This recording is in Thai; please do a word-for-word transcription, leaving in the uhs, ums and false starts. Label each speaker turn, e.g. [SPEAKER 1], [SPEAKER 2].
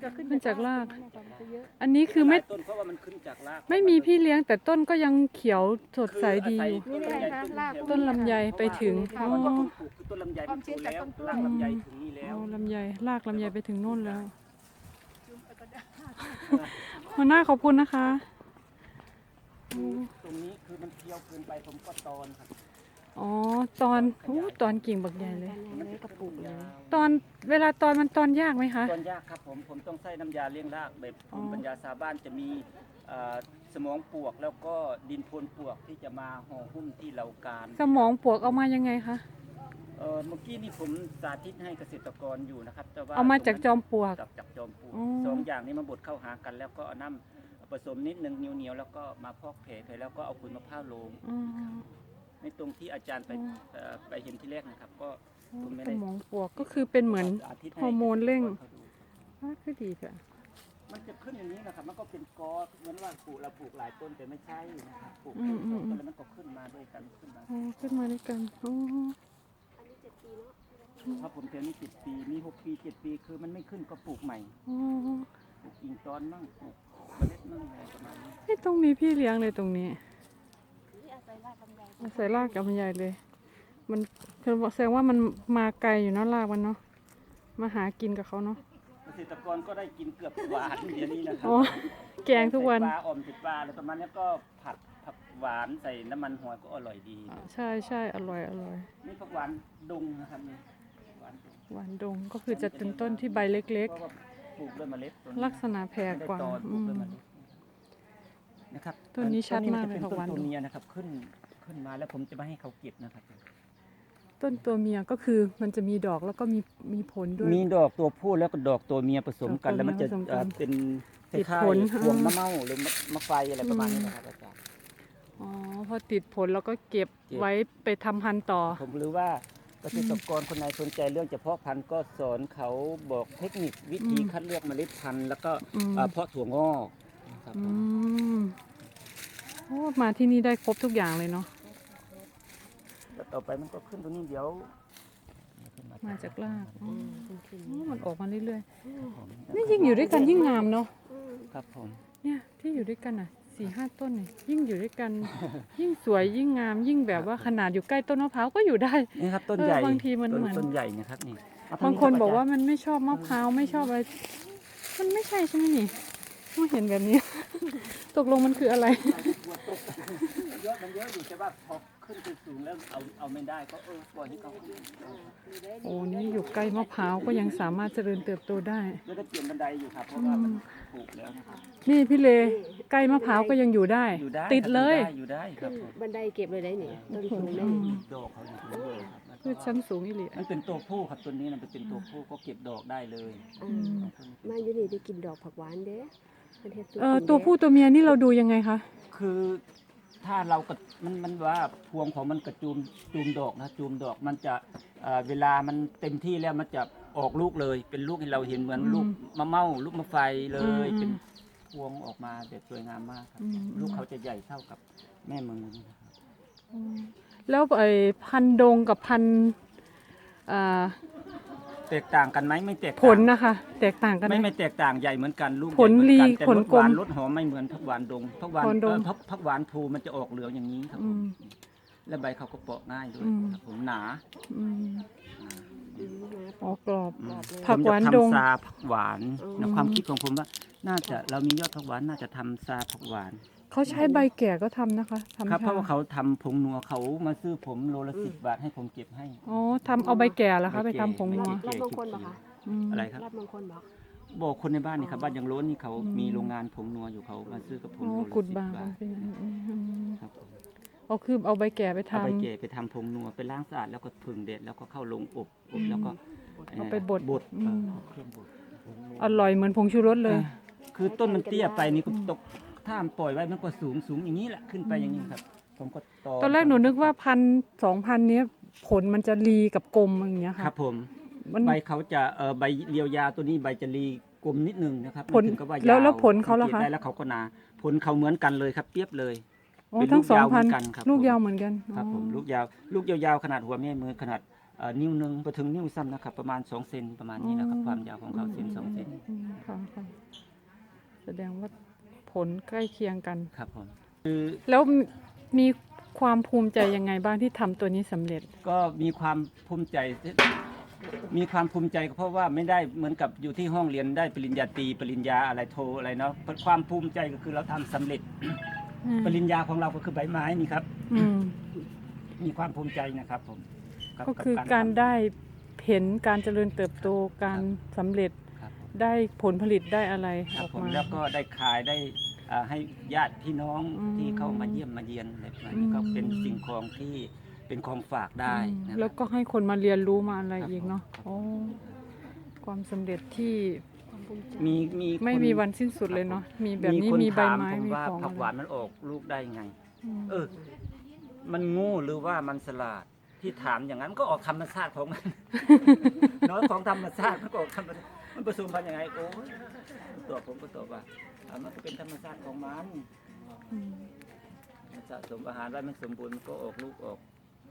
[SPEAKER 1] จะขึ้น
[SPEAKER 2] ขึ้นจากราก
[SPEAKER 1] เยอะ
[SPEAKER 2] อันนี้คือไม่
[SPEAKER 3] ต้นเพราะว่ามันขึ้นจากราก
[SPEAKER 2] ไม่มีพี่เลี้ยงแต่ต้นก็ยังเขียวสดใสดีอยู่
[SPEAKER 3] คืออาศัย
[SPEAKER 2] ต้นลำไยไปถึง
[SPEAKER 3] เพราะว่าต้นปลูกคือต้นลำไยมันโตแล้วรากลำไยถึงนี่แล้
[SPEAKER 2] เอา
[SPEAKER 3] ว
[SPEAKER 2] ลำไยรากลำไยไปถึงโน่นแล้วหัวหน้าขอบคุณนะคะ
[SPEAKER 3] ตรงนี้คือมันเคี้ยวเกินไปผมก็ตอนครับ
[SPEAKER 2] อ๋อตอนโอ้ตอนกิ่งบักใหญ่เลย
[SPEAKER 1] มันกระปุกเลย
[SPEAKER 2] ตอนเวลาตอนมันตอนยากไหมคะ
[SPEAKER 3] ตอนยากครับผมผมต้องใส่น้ำยาเลี้ยงรากแบบภูมิปัญญาชาวบ้านจะมีเอ่อสมองปลวกแล้วก็ดินโพนปลวกที่จะมาห่อหุ้มที่เหล่าการ
[SPEAKER 2] สมองปวกเอามายังไงคะ
[SPEAKER 3] เออเมื่อกี้นี่ผมสาธิตให้เกษตรกรอยู่นะครับแต่ว่า
[SPEAKER 2] เอามาจากจอมปลวก
[SPEAKER 3] จากจากจอมปลวก
[SPEAKER 2] อ๋อ
[SPEAKER 3] สองอย่างนี้มาบดเข้าหากัน แล้วก็เอาน้ำผสมนิดนึงเหนียวๆแล้วก็มาพอกแผลแล้วก็เอาขุยมะพร้าวลง
[SPEAKER 2] อ๋อ
[SPEAKER 3] ในตรงที่อาจารย์ไปเอ่อไปเห็นที่แรกนะครับ ก็ผมไม่
[SPEAKER 2] ส
[SPEAKER 3] ได้
[SPEAKER 2] มองปวกก็คือเป็นเหมือน
[SPEAKER 3] สาธิตใ
[SPEAKER 2] ฮอร์โมนเร่ง
[SPEAKER 3] ขาดู
[SPEAKER 2] อ่าคือดีค่ะ
[SPEAKER 3] มันจะขึ้นอย่างนี้นะครับมันก็เป็นกอเหมือนว่าปลูกเราปลูกหลายต้นแต่ไม่ใช่นะครับปลูก
[SPEAKER 2] อืมอืม
[SPEAKER 3] ต้นแล้วมันก็ขึ้นมาด้วยกันขึ้นมา
[SPEAKER 2] อ๋อขึ้นมาด้วยกันอ๋อ
[SPEAKER 3] ถ้าผมเจอนี่เจ็ดปีมีหกปีเจ็ดปีคือมันไม่ขึ้นก็ปลูกใหม่
[SPEAKER 2] อ๋อ
[SPEAKER 3] ปลูกอิงตอนมั่งปลูกเมล็ดมั่งอะไรประมาณนี้
[SPEAKER 2] ไม่ต้องมีพี่เลี้ยงเลยตรงนี้
[SPEAKER 1] นี่อาศัยรากลำไย
[SPEAKER 2] อาศัยรากกับมันใหญ่เลย มันคือแสดงว่ามันมาไกลอยู่เนาะรากมันเนาะมาหากินกับเขาเนาะ
[SPEAKER 3] เกษตรกรก็ได้กินเกือบหวานเดี๋ยวนี้นะครั
[SPEAKER 2] อ๋อแกงทุกวัน
[SPEAKER 3] ใส่ปลาออมติดปลาอะไรประมาณนี้ก็ผัดผักหวานใส่น้ำมันหอยก็อร่อยดี
[SPEAKER 2] ใช่ใช่อร่อยอร่อย
[SPEAKER 3] นี่ผักหวานดงนะครับนี่หวานดง
[SPEAKER 2] หวานดงก็คือจะเป็นต้นที่ใบเล็ก
[SPEAKER 3] เพราะว่าปลูกด้วยเมล็ดตัวนี้
[SPEAKER 2] ๆ ลักษณะแผ่กว่า
[SPEAKER 3] ไม่ได้ตอนป
[SPEAKER 2] อื
[SPEAKER 3] ลูก
[SPEAKER 2] ม
[SPEAKER 3] ด้วยเมล็ดนะครับ
[SPEAKER 2] ต้นนี้ชัดมากเลย
[SPEAKER 3] ต้น
[SPEAKER 2] ผักหวาน
[SPEAKER 3] ตัว
[SPEAKER 2] ดง
[SPEAKER 3] เมียนะครับขึ้นขึ้นมาแล้วผมจะไม่ให้เขาเก็บนะครับ
[SPEAKER 2] ต้นตัวเมียก็คือมันจะมีดอกแล้วก็มีมีผลด้วย
[SPEAKER 3] มีดอกตัวผู้แล้วก็ดอกตัวเมียผสมกัน
[SPEAKER 2] ดอกตัว
[SPEAKER 3] แล้วมันจะ
[SPEAKER 2] เมียผสมกัน
[SPEAKER 3] เอ่อเป็นค
[SPEAKER 2] ติด
[SPEAKER 3] ล้าย
[SPEAKER 2] ผล
[SPEAKER 3] ๆพวงมะเม่าหรือมะมะไฟอะไรประมาณนี้นะครับอาจารย์
[SPEAKER 2] อ๋อพอติดผลแล้วก็เก็บ
[SPEAKER 3] เก็บ
[SPEAKER 2] ไว้ไปทำพันธุ์ต่อ
[SPEAKER 3] ผมรู้ว่าเกษตรกรคนไหนสนใจเรื่องเฉพาะพันธุ์ก็สอนเขาบอกเทคนิควิธี
[SPEAKER 2] อืม
[SPEAKER 3] คัดเลือกเมล็ดพันธุ์แล้วก็
[SPEAKER 2] อืม
[SPEAKER 3] เอ่อเพาะถั่วงอกนะครับ
[SPEAKER 2] อื
[SPEAKER 3] ผม
[SPEAKER 2] มโอ้มาที่นี่ได้ครบทุกอย่างเลยเนาะ
[SPEAKER 3] แล้วต่อไปมันก็ขึ้นตรงนี้เดี๋ยว
[SPEAKER 2] มาจากรากอ๋อ
[SPEAKER 1] ขึ้น
[SPEAKER 2] อ๋อมันออกมาเรื่อย
[SPEAKER 3] ครับผม
[SPEAKER 2] ๆนี่ยิ่งอยู่ด้วยกันยิ่งงามเนาะ
[SPEAKER 3] ครับผม
[SPEAKER 2] เนี่ยที่อยู่ด้วยกันอ่ะสี่ห้าต้นเนี่ยยิ่งอยู่ด้วยกัน ยิ่งสวยยิ่งงามยิ่งแบบว่าขนาดอยู่ใกล้ต้นมะพร้าวก็อยู่ได้
[SPEAKER 3] นี่ครับต้น
[SPEAKER 2] เออ
[SPEAKER 3] ใหญ่
[SPEAKER 2] บางทีมัน
[SPEAKER 3] ต้น
[SPEAKER 2] เหมือน
[SPEAKER 3] ต้นใหญ่นะครับนี่เอท
[SPEAKER 2] บางคน
[SPEAKER 3] รับ
[SPEAKER 2] บอกว่า
[SPEAKER 3] จรย์
[SPEAKER 2] มันไม่ชอบมะพร้าวไม่ชอบอะไรมันไม่ใช่ใช่ไหมนี่ต้องเห็นแบบนี้ ตกลงมันคืออะไร
[SPEAKER 3] เยอะมันเยอะอยู่แต่ว่าพอขึ้นไปสูงแล้วเอาเอาไม่ได้ก็เออปล่อยให้เขาขึ้น
[SPEAKER 2] โอ้นี่อยู่ใกล้มะพร้าวก็ยังสามารถเจริญเติบโตได้
[SPEAKER 3] แล้วได้เปลี่ยนบันไดอยู่ครับเพราะว่ามันปลูกแล้วนะครับ
[SPEAKER 2] นี่พี่เลใกล้มะพร้าวก็ยังอยู่ได้
[SPEAKER 3] อยู่ได้
[SPEAKER 2] ติดเลย
[SPEAKER 3] ครับอยู่ได้อยู่ได้ค
[SPEAKER 1] ขึ้
[SPEAKER 3] รับ
[SPEAKER 1] น
[SPEAKER 3] ผม
[SPEAKER 1] บันไดเก็บเลยได้นี่ต้นสูงได้
[SPEAKER 2] อื
[SPEAKER 1] นี่
[SPEAKER 2] ม
[SPEAKER 3] ดอกเขาอยู่ตรงนี้เลยครับ
[SPEAKER 2] พืชชั้นสูงอีหลี
[SPEAKER 3] มันเป็นตัวผู้ครับตัวนี้มันเป็นตัวผู้ก็เก็บดอกได้เลย
[SPEAKER 1] อ่ามาอยู่นี่ได้กินดอกผักหวานเด้มันเฮ็ดสู
[SPEAKER 2] เออตัวผู้ตัวเมียนี่เราดูยังไงคะ
[SPEAKER 3] คือถ้าเรากระมันมันว่าพวงของมันกระจูมจูมดอกนะจูมดอกมันจะเอ่อเวลามันเต็มที่แล้วมันจะออกลูกเลย เป็นลูกให้เราเห็นเหมือนลูกมะเม่าลูกมะไฟเลย เป็นพวงออกมาแบบสวยงามมากครับ
[SPEAKER 2] อืม
[SPEAKER 3] ลูกเขาจะใหญ่เท่ากับแม่มือนะครับ
[SPEAKER 2] อืมแล้วไอ้พันธุ์ดงกับพันธุ์อ่า
[SPEAKER 3] แตกต่างกันไหมไม่แตกต่าง
[SPEAKER 2] ผลนะคะ แตกต่างกันไหม
[SPEAKER 3] ไม่ไม่แตกต่างใหญ่เหมือนกันลูก
[SPEAKER 2] ผล
[SPEAKER 3] ใหญ่เหมือนกัน
[SPEAKER 2] ลี
[SPEAKER 3] แต่
[SPEAKER 2] ผล
[SPEAKER 3] รส
[SPEAKER 2] กล
[SPEAKER 3] หวาม นรสหอมไม่เหมือนผักหวานดงผักหวาน
[SPEAKER 2] ผลดง
[SPEAKER 3] เอ่อผักผักหวานภูมันจะออกเหลืองอย่างนี้ครับ
[SPEAKER 2] อืม
[SPEAKER 3] และใบเขาก็เปาะง่ายด้วย
[SPEAKER 2] อืม
[SPEAKER 3] ครับผมหนา
[SPEAKER 2] อืม
[SPEAKER 1] อืมนะ
[SPEAKER 2] อ๋อกรอบ
[SPEAKER 3] อืม
[SPEAKER 2] ผั
[SPEAKER 3] ผม
[SPEAKER 2] กหวาน
[SPEAKER 3] จะ
[SPEAKER 2] ดง
[SPEAKER 3] ทำซาผักหวาน
[SPEAKER 1] อืม
[SPEAKER 3] ในความคิดของผมว่าน่าจะเรามียอดผักหวานน่าจะทำซาผักหวาน
[SPEAKER 2] เขาใช้ใบแก่ก็ทำนะคะทำ
[SPEAKER 3] ครับเพ
[SPEAKER 2] ชา
[SPEAKER 3] ราะว่าเขาทำผงนัวเขามาซื้อผมโลละสิบบาทให้ผมเก็บให้
[SPEAKER 2] อ๋อทำเอาใบแก่แล้วคะ
[SPEAKER 3] ใบ
[SPEAKER 2] ไป
[SPEAKER 3] แก่
[SPEAKER 2] ทำผงนัว
[SPEAKER 3] ใบ
[SPEAKER 1] รับมงคลบ่คะ
[SPEAKER 2] ม
[SPEAKER 3] อะไรครับ
[SPEAKER 1] รับมงคลบ่
[SPEAKER 3] บอกคนในบ้านนี่ครับบ้านยังโล้นนี่เขา
[SPEAKER 2] อืม
[SPEAKER 3] มีโรงงานผงนัวอยู่เขามาซื้อกับผม
[SPEAKER 2] อ๋อ
[SPEAKER 3] โลละ
[SPEAKER 2] กุด
[SPEAKER 3] สิบบ
[SPEAKER 2] าง
[SPEAKER 3] บาท
[SPEAKER 2] เป็นอืมอืมอืม
[SPEAKER 3] ครับผม
[SPEAKER 2] เอาคือเอาใบแก่ไป
[SPEAKER 3] เอาไป
[SPEAKER 2] ทำ
[SPEAKER 3] เกะไปทำผงนัวไปล้างสะอาดแล้วก็ผึ่งเด็ดแล้วก็เข้าลงอบอบแล้วก็
[SPEAKER 2] เอาไปบด
[SPEAKER 3] บด
[SPEAKER 2] อืม
[SPEAKER 3] เอ่อเครื่องบด
[SPEAKER 2] อร่อยเหมือนผงชูรสเลย
[SPEAKER 3] อ่าคือต้นมันเตี้ยไปนี่ก็ตกถ้ามันปล่อยไว้มันก็สูงสูงอย่างนี้แหละขึ้นไปอย่างนี้ครับ ผมก็ตอ
[SPEAKER 2] ตอนแรกหนูนึกว่าพันสองพันเนี้ยผลมันจะรีกับกลมอย่างเงี้ย
[SPEAKER 3] ค
[SPEAKER 2] ค่ะ
[SPEAKER 3] รับผม
[SPEAKER 2] มัน
[SPEAKER 3] ใบเขาจะเอ่อใบเรียวยาวตัวนี้ใบจะรีกลมนิดนึงนะครับ
[SPEAKER 2] ผล
[SPEAKER 3] ไม่ถึงกับว่า
[SPEAKER 2] แล้ว
[SPEAKER 3] ยาว
[SPEAKER 2] แล้วผลเขาล่ะคะ
[SPEAKER 3] สังกตได้แล้วเขาก็หนาผลเขาเหมือนกันเลยครับเปรียบเลย
[SPEAKER 2] อ๋อ
[SPEAKER 3] เป็น
[SPEAKER 2] ทั้ง
[SPEAKER 3] ลูก
[SPEAKER 2] สอง
[SPEAKER 3] ยาวเหมื
[SPEAKER 2] พัน
[SPEAKER 3] อนกันครับ
[SPEAKER 2] ลูก
[SPEAKER 3] ผม
[SPEAKER 2] ยาวเหมือนกัน
[SPEAKER 3] ครับผม
[SPEAKER 2] อ๋อ
[SPEAKER 3] ลูกยาวลูกยาวๆขนาดหัวแม่มือขนาดเอ่อนิ้วหนึงไปถึงนิ้วซ้ำนะครับประมาณสองเซนประมาณนี้นะครับความยาวของเขาเซนสองเซน
[SPEAKER 2] อืมค่ะค่ะดงว่าผลใกล้เคียงกัน
[SPEAKER 3] ครับผมคือ
[SPEAKER 2] แล้วมีความภูมิใจยังไงบ้างที่ทำตัวนี้สำเร็จ
[SPEAKER 3] ก็มีความภูมิใจ มีความภูมิใจก็เพราะว่าไม่ได้เหมือนกับอยู่ที่ห้องเรียนได้ปริญญาตรีปริญญาอะไรโทอะไรเนาะความภูมิใจก็คือเราทำสำเร็จ
[SPEAKER 2] อืม
[SPEAKER 3] ปริญญาของเราก็คือใบไม้นี่ครับ
[SPEAKER 2] อืม
[SPEAKER 3] มีความภูมิใจนะครับผมบ
[SPEAKER 2] ก็คือ
[SPEAKER 3] ทำ
[SPEAKER 2] การได้เห็นการเจริญเติบโตการสำเร็จ
[SPEAKER 3] ครับผม
[SPEAKER 2] ได้ผลผลิตได้อะไร
[SPEAKER 3] ค
[SPEAKER 2] อ
[SPEAKER 3] รับ
[SPEAKER 2] อก
[SPEAKER 3] ผม
[SPEAKER 2] มา
[SPEAKER 3] แล้วก็ได้ขายได้อ่าให้ญาติพี่น้อง
[SPEAKER 2] อืม
[SPEAKER 3] ที่เข้ามาเยี่ยมมาเยียนอะไรประมาณ
[SPEAKER 2] อื
[SPEAKER 3] นี้
[SPEAKER 2] ม
[SPEAKER 3] ก็เป็นสิ่งของที่เป็นของฝากได้
[SPEAKER 2] อืม
[SPEAKER 3] นะค
[SPEAKER 2] แล้
[SPEAKER 3] รั
[SPEAKER 2] ว
[SPEAKER 3] บ
[SPEAKER 2] ก็ให้คนมาเรียนรู้มาอะไร
[SPEAKER 3] ครับ
[SPEAKER 2] อีกเนาะ
[SPEAKER 3] ผม
[SPEAKER 2] โอ้ความสำเร็จที่
[SPEAKER 1] ความภูมิใจ
[SPEAKER 3] มีมี
[SPEAKER 2] ไม่
[SPEAKER 3] คน
[SPEAKER 2] มีวันสิ้นสุดเลยเนาะมีแบบนี้
[SPEAKER 3] คน
[SPEAKER 2] มีใบ
[SPEAKER 3] ถาม
[SPEAKER 2] ไม้
[SPEAKER 3] ผม
[SPEAKER 2] มี
[SPEAKER 3] ว่า
[SPEAKER 2] ของ
[SPEAKER 3] ผัก
[SPEAKER 2] อะไร
[SPEAKER 3] หวานมันออกลูกได้ไง
[SPEAKER 2] ม
[SPEAKER 3] เออ มันโง่หรือว่ามันฉลาดที่ถามอย่างนั้นก็ออกธรรมชาติของมัน น้อยของธรรมชาติมันก็ออกธรรมชาติมันผสมพันธุ์ยังไงโอ้ยตัวผมก็ตอบว่าอ่ะมันก็เป็นธรรมชาติของมัน
[SPEAKER 2] อืม
[SPEAKER 3] มันสะสมอาหารไว้มันสมบูรณ์มันก็ออกลูกออก